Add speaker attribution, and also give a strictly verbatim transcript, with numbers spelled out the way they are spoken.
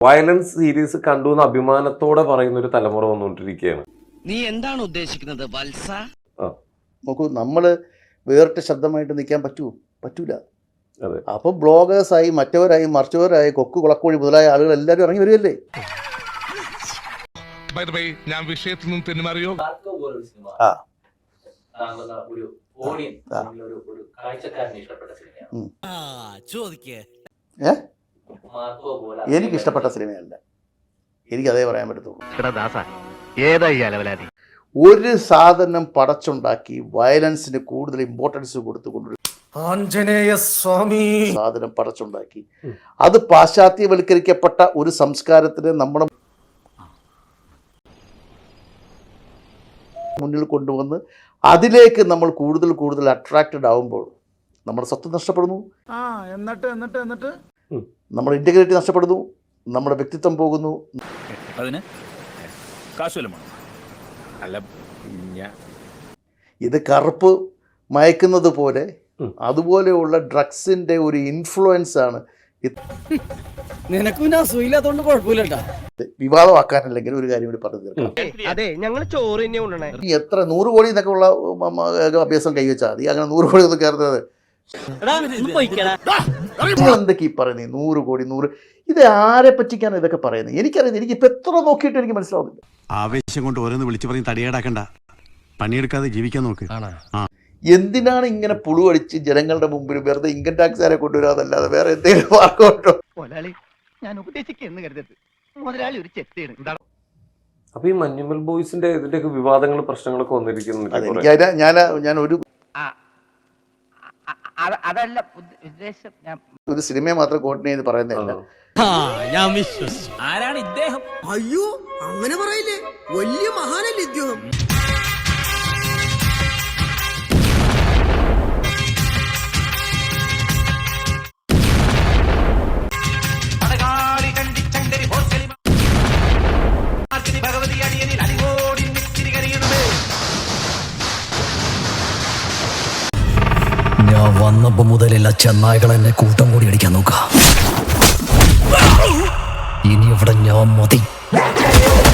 Speaker 1: Violence series കണ്ടു എന്ന് അഭിമാനത്തോടെ പറയുന്ന ഒരു തലമുറ വന്നുകൊണ്ടിരിക്കുകയാണ്.
Speaker 2: നീ എന്താണ് ഉദ്ദേശിക്കുന്നത് വത്സ?
Speaker 3: നോക്കൂ, നമ്മള് വേറിട്ട ശബ്ദമായിട്ട് നിൽക്കാൻ പറ്റൂ പറ്റൂല. അപ്പൊ ബ്ലോഗേഴ്സായി മറ്റവരായി മറിച്ചവരായി കൊക്ക് കുളക്കോഴി മുതലായ ആളുകൾ എല്ലാവരും ഇറങ്ങി വരുമല്ലേ.
Speaker 4: ഞാൻ വിഷയത്തിൽ നിന്ന് തെന്നുമാറിയോ?
Speaker 3: എനിക്ക് ഇഷ്ടപ്പെട്ട സിനിമയല്ല, എനിക്ക് അതേ പറയാൻ പറ്റത്തുള്ളൂ. ഒരു സാധനം പടച്ചുണ്ടാക്കി വയലൻസിന് കൂടുതൽ ഇമ്പോർട്ടൻസ് കൊടുത്തുകൊണ്ട്
Speaker 5: ആഞ്ജനേയ സ്വാമി
Speaker 3: സാധനം പടച്ചുണ്ടാക്കി അത് പാശ്ചാത്യവൽക്കരിക്കപ്പെട്ട ഒരു സംസ്കാരത്തിന് നമ്മുടെ മുന്നിൽ കൊണ്ടുവന്ന് അതിലേക്ക് നമ്മൾ കൂടുതൽ കൂടുതൽ അട്രാക്റ്റഡ് ആവുമ്പോൾ നമ്മുടെ സ്വത്ത് നഷ്ടപ്പെടുന്നു,
Speaker 5: എന്നിട്ട് എന്നിട്ട് എന്നിട്ട്
Speaker 3: നമ്മുടെ ഇന്റഗ്രിറ്റി നഷ്ടപ്പെടുന്നു, നമ്മുടെ വ്യക്തിത്വം പോകുന്നു. ഇത് കറുപ്പ് മയക്കുന്നത് പോലെ അതുപോലെയുള്ള ഡ്രഗ്സിന്റെ ഒരു ഇൻഫ്ലുവൻസ് ആണ്.
Speaker 6: നിനക്കും ഞാൻ സുഖമില്ലാത്തോണ്ട് കുഴപ്പമില്ല.
Speaker 3: വിവാദമാക്കാനല്ലെങ്കിൽ ഒരു കാര്യം കൂടി പറഞ്ഞു തീർക്കാം.
Speaker 2: അതെ, ഞങ്ങൾ ചോറ് തന്നെ കൊണ്ടുവന്നേ.
Speaker 3: ഈ എത്ര നൂറ് കോടി എന്നൊക്കെ ഉള്ള അഭ്യാസം കൈവച്ചാൽ മതി, അങ്ങനെ നൂറ് കോടി ഒന്നും കയറുന്നത്. നിങ്ങൾ എന്തൊക്കെ ഈ പറയുന്നത്? നൂറ് കോടി നൂറ് ഇത് ആരെ പറ്റിക്കാണ് ഇതൊക്കെ പറയുന്നത്? എനിക്കറിയാം. എനിക്ക് ഇപ്പൊ എത്ര നോക്കിയിട്ട് എനിക്ക് മനസ്സിലാവുന്നില്ല.
Speaker 7: ആവേശം കൊണ്ട് ഓരോന്ന് വിളിച്ചു പറഞ്ഞ് തടിയേടാക്കണ്ട, പണിയെടുക്കാതെ ജീവിക്കാൻ നോക്ക്.
Speaker 3: എന്തിനാണ് ഇങ്ങനെ പുളുവടിച്ച് ജനങ്ങളുടെ മുമ്പിൽ വെറുതെ ഇൻകം ടാക്സുകാരെ കൊണ്ടുവരാതല്ലാതെ വേറെ എന്തെങ്കിലും മാർഗമുണ്ടോ?
Speaker 6: ഞാൻ ഉപദേശിക്കുന്നു കരുതരുത്, മുതലാളി ഒരു ചെത്തിയാണ്.
Speaker 1: അപ്പൊ ഈ മഞ്ഞുമൽ ബോയ്സിന്റെ ഇതിന്റെയൊക്കെ വിവാദങ്ങൾ പ്രശ്നങ്ങളൊക്കെ വന്നിരിക്കുന്നു.
Speaker 3: ഞാൻ ഞാൻ ഒരു
Speaker 6: അതല്ല ഉദ്ദേശം,
Speaker 3: ഒരു സിനിമയെ മാത്രം കോർഡിനേറ്റ് ചെയ്ത് പറയുന്നില്ല.
Speaker 2: ഞാൻ വിശ്വസിച്ചു. ആരാണ് ഇദ്ദേഹം?
Speaker 8: അയ്യോ, അങ്ങനെ പറയില്ലേ, വലിയ മഹാനല്ലേ ഇദ്ദേഹം.
Speaker 6: ഞാൻ വന്നപ്പോ മുതലുള്ള ചെന്നായ്കൾ എന്നെ കൂട്ടം കൂടി അടിക്കാൻ നോക്കാം. ഇനി ഇവിടെ ഞാൻ മതി.